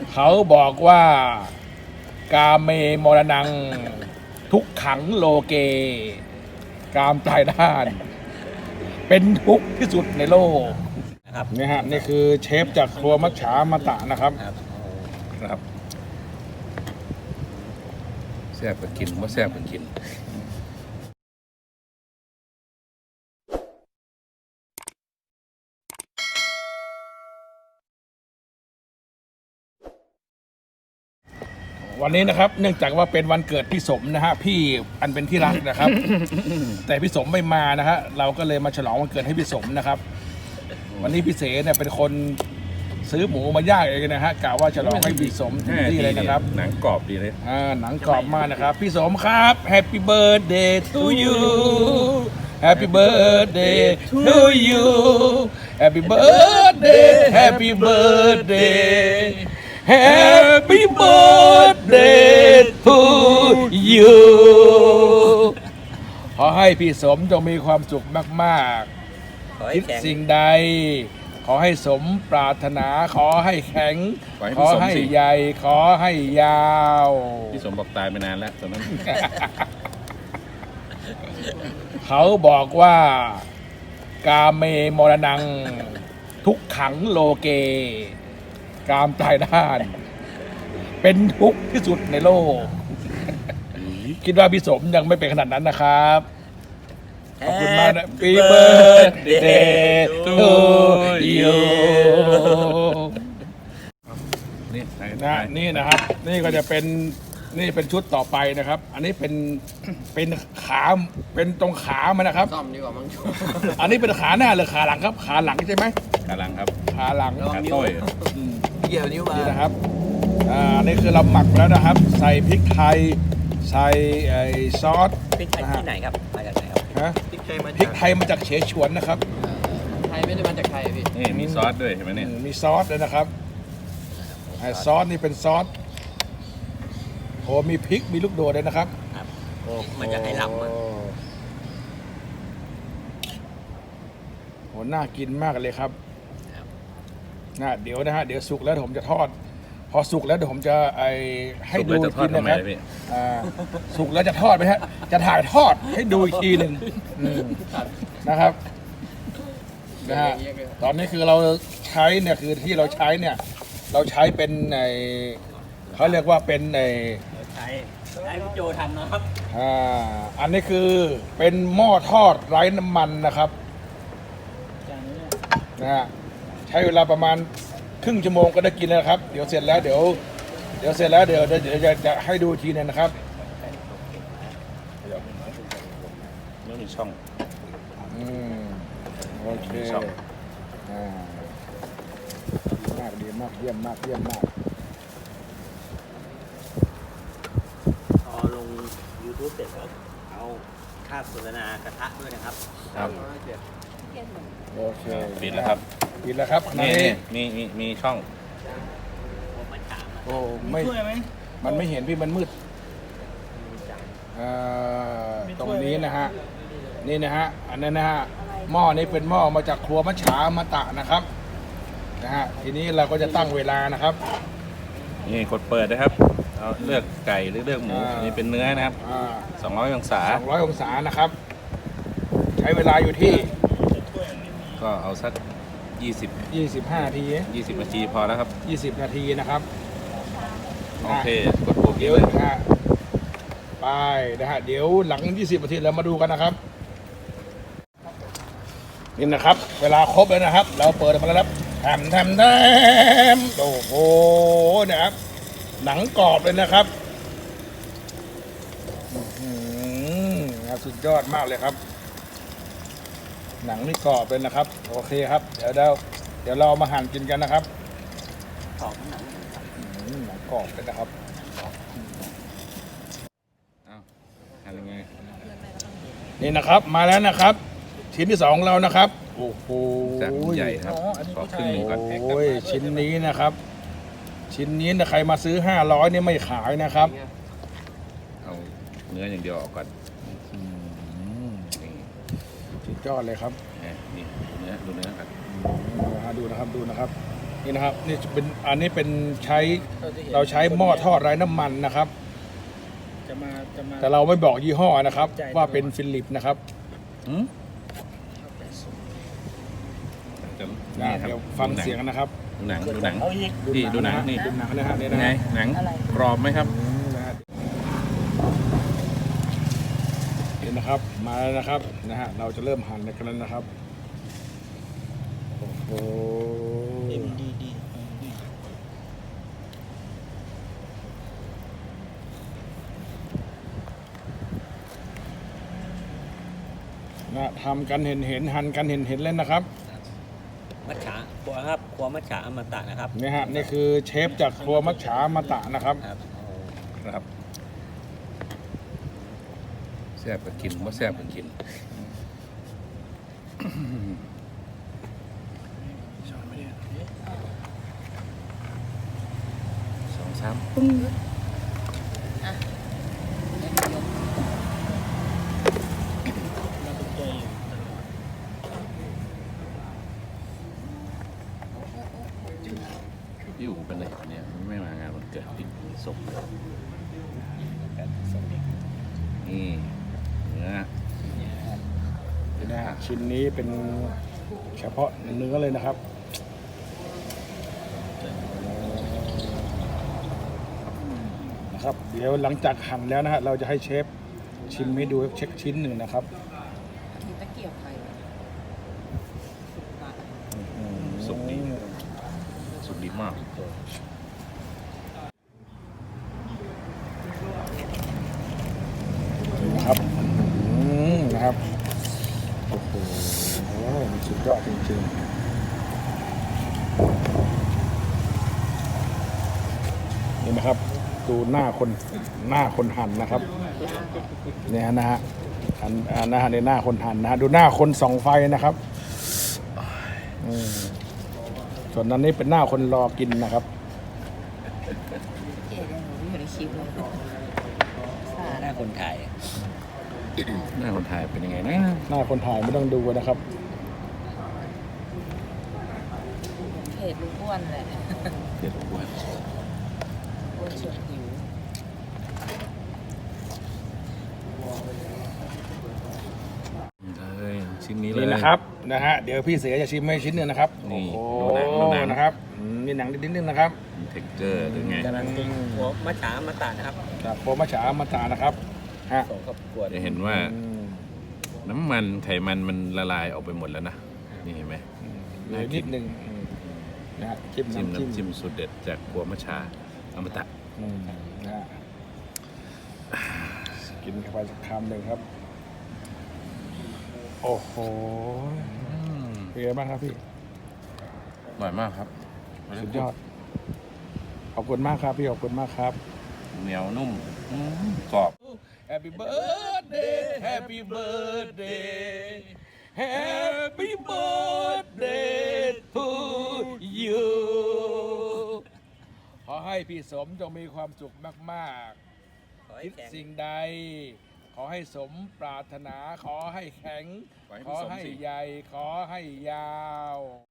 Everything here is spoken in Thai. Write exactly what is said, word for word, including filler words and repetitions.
เขาบอกว่ากาเมมรณังทุกขังโลเก กามตายด้าน เป็นทุกข์ที่สุดในโลกนะครับนี่ฮะนี่คือเชฟจากครัวมัจฉามาตะนะครับครับแซ่บก็กินว่าแซ่บก็กินวันนี้นะครับเนื่องจากว่าเป็นวันเกิดพี่สมนะฮะพี่อันเป็นที่รักนะครับ แต่พี่สมไม่มานะฮะเราก็เลยมาฉลองวันเกิดให้พี่สมนะครับวันนี้พี่เสเนี่ยเป็นคนซื้อหมูมาย่างเองนะฮะกะว่าฉลองให้พี่สมที่เลยนะครับหนังกรอบดีเลยอ่าหนังกรอบมากนะครับพี่สมครับ Happy Birthday to you Happy Birthday to you Happy Birthday Happy Birthday Happy Birthday to you ขอให้พี่สมจงมีความสุขมากๆคิดสิ่งใดขอให้สมปรารถนาขอให้แข็งขอให้ใหญ่ขอให้ยาวพี่สมบอกตายไปนานแล้วตอนนั้นเขาบอกว่ากาเมมรณังทุกขังโลเก กามตายด้าน เป็นทุกข์ที่สุดในโลก คิดว่าพี่สมยังไม่เป็นขนาดนั้นนะครับขอบคุณมากนะ Happy Birthday to you นี่นะนี่นะครับนี่ก็จะเป็นนี่เป็นชุดต่อไปนะครับ อันนี้เป็นเป็นขาเป็นตรงขามันนะครับซ่อมดีกว่ามั้งอันนี้เป็นขาหน้าหรือขาหลังครับขาหลังใช่ไหมขาหลังครับขาหลังขาต้อยเกี่ยวนิ้วมานี่นะครับอ่านี่คือเราหมักแล้วนะครับใส่พริกไทยใส่ไอ้ซอสพริกไทยที่ไหนครับมาจากไหนครับฮะพริกไทยมาพริกไทยมาจากเฉฉวนนะครับไทยไม่ได้มาจากไทยพี่นี่มีซอสด้วยเห็นไหมเนี่ยมีซอสด้วยนะครับไอ้ซอสนี่เป็นซอสโอ้มีพริกมีลูกโดดเลยนะครับโอ้มันจะให้หลับมันโหน่ากินมากเลยครับนะเดี๋ยวนะฮะเดี๋ยวสุกแล้วผมจะทอดพอสุกแล้วเดี๋ยวผมจะไอให้ดูอีกทีนะครับสุกแล้วจะทอดไหมฮะจะถ่ายทอดให้ดูอีกทีหนึ่งนะครับนะฮะตอนนี้คือเราใช้เนี่ยคือที่เราใช้เนี่ยเราใช้เป็นไอเขาเรียกว่าเป็นไอใช้ใช้พี่โจทำนะครับอ่าอันนี้คือเป็นหม้อทอดไร้น้ำมันนะครับนะฮะใช้เวลาประมาณครึ่งชั่วโมงก็ได้กินแล้วครับเดี๋ยวเสร็จแล้วเดี๋ยวเดี๋ยวเสร็จแล้วเดี๋ยวเดี๋ยวจะจะให้ดูทีนึงนะครับไม่มีช่องอืมโอเคอ่ามากดีมากเยี่ยมมากเยี่ยมมากพอลง ยูทูบ เสร็จแล้วเอาค่าโฆษณากระทะด้วยนะครับครับโอเคปิดแล้วครับปิดแล้วครับนี่มีมีมีช่องโอ้ไม่มันไม่เห็นพี่มันมืดตรงนี้นะฮะนี่นะฮะอันนั้นนะฮะหม้อนี้เป็นหม้อมาจากครัวมัจฉามาตะนะครับนะฮะทีนี้เราก็จะตั้งเวลานะครับนี่กดเปิดนะครับเราเลือกไก่หรือเลือกหมูนี่เป็นเนื้อนะครับสองร้อยองศาสองร้อยองศานะครับใช้เวลาอยู่ที่ก็เอาสักยี่สิบยี่สิบห้านาทียี่สิบนาทีพอแล้วครับยี่สิบนาทีนะครับโอเคกดปุ่มเดี๋ยวนะฮะไปนะฮะเดี๋ยวหลังยี่สิบนาทีเรามาดูกันนะครับนี่นะครับเวลาครบแล้วนะครับเราเปิดมาแล้วครับแถมแถมแถมโอ้โหนะครับหนังกรอบเลยนะครับสุดยอดมากเลยครับหนังนี่กรอบเลยนะครับโอเคครับเดี๋ยวเราเดี๋ยวเรามาหั่นกินกันนะครับกรอบหนังหนังกรอบเลยนะครับหั่นยังไงนี่นะครับมาแล้วนะครับชิ้นที่สองเรานะครับโอ้โหใหญ่ครับขอครึ่งหนึ่งก่อนโอ้ยชิ้นนี้นะครับชิ้นนี้นะใครมาซื้อห้าร้อยนี่ไม่ขายนะครับเอาเนื้ออย่างเดียวออกก่อนสุดยอดเลยครับนี่เนื้อดูเนื้อครับดูนะครับดูนะครับ นนี่นะครับนี่เป็นอันนี้เป็นใช้เราใช้หม้อทอดไร้น้ำมันนะครับจะมาจะมาแต่เราไม่บอกยี่ห้อนะครับ ว่าเป็นฟิลิปนะครับอืมนะเดี๋ยวฟังเสียงนะครับดูหนังดูหนังเอาอีกพี่ดูหนังนี่ดูหนังนะฮะนี่เป็นนะไงฮะหนังกรอบไหมครับอืมนะฮะเห็นนะครับมาแล้วนะครับนะฮะเราจะเริ่มหั่นกันแล้วนะครับโอ้โหเอ็มดีดีนะทำกันเห็นเห็นหั่นกันเห็นเห็นเล่นนะครับมัจฉาครัวครับครัวมัจฉาอมตะนะครับนี่ฮะนี่คือเชฟจากครัวมัจฉามาตะนะครับครับครับแซ่บก็กินว่าแซ่บก็กินช้อนไม่ได้สองสามปุ้งพี่อู๋เป็นไรเนี่ยไม่มางานวันเกิดพี่สุกนี่เนื้อนะฮะชิ้นนี้เป็นเฉพาะเนื้อเลยนะครับนะครับ เดี๋ยวหลังจากหั่นแล้วนะฮะเราจะให้เชฟชิมให้ดูเช็คชิ้นหนึ่งนะครับมีตะเกียบใครวะสุกดีสุกดีมากนะครับอืมนะครับโอ้โหมันสุดยอดจริงๆนี่นะครับดูหน้าคนหน้าคนหั่นนะครับเนี่ยนะฮะอันอันนะฮะในหน้าคนหั่นนะฮะดูหน้าคนส่องไฟนะครับอืมส่วนนั้นนี่เป็นหน้าคนรอกินนะครับเอ๋เดี๋ยวหนูอยู่ในคลิปเลยสาดหน้าคนถ่ายหน้าคนถ่ายเป็นยังไงนะหน้าคนถ่ายไม่ต้องดูนะครับเพจลูกอ้วนแหละเดี๋ยวอ้วนอ้วนชวนหิวเลยชิ้นนี้เลยนี่นะครับนะฮะเดี๋ยวพี่เสียจะชิมให้ชิ้นหนึ่งนะครับนี่โอ้ดูโหหนังดูหนังนะครับอืมมีหนังนิดนึงนะครับเท็กเจอร์หรือไงกำลังกินครัวมัจฉาอมตะนะครับจากโคมัชฉามาตานะครับฮะสองครอบครัวจะเห็นว่าอืมน้ำมันไขมันมันละลายออกไปหมดแล้วนะ นี่เห็นไหมเหลือนิดนึงอืมนะฮะจิ้มจิ้มน้ำจิ้มน้ำจิ้มสูตรเด็ดจากครัวมัชชาอมตะอืมนะฮะกินเข้าไปสักคำหนึ่งครับ โอ้โหเป็นไงบ้างครับพี่อร่อยมากครับสุดยอดขอบคุณมากครับพี่ขอบคุณมากครับเหนียวนุ่มอืมกรอบ Happy birthday Happy birthday Happy birthday to you ขอให้พี่สมจงมีความสุขมากๆ คิดสิ่งใด ขอให้สมปรารถนา ขอให้แข็งขอให้ขพี่อสมให้สิใหญ่ ขอให้ยาว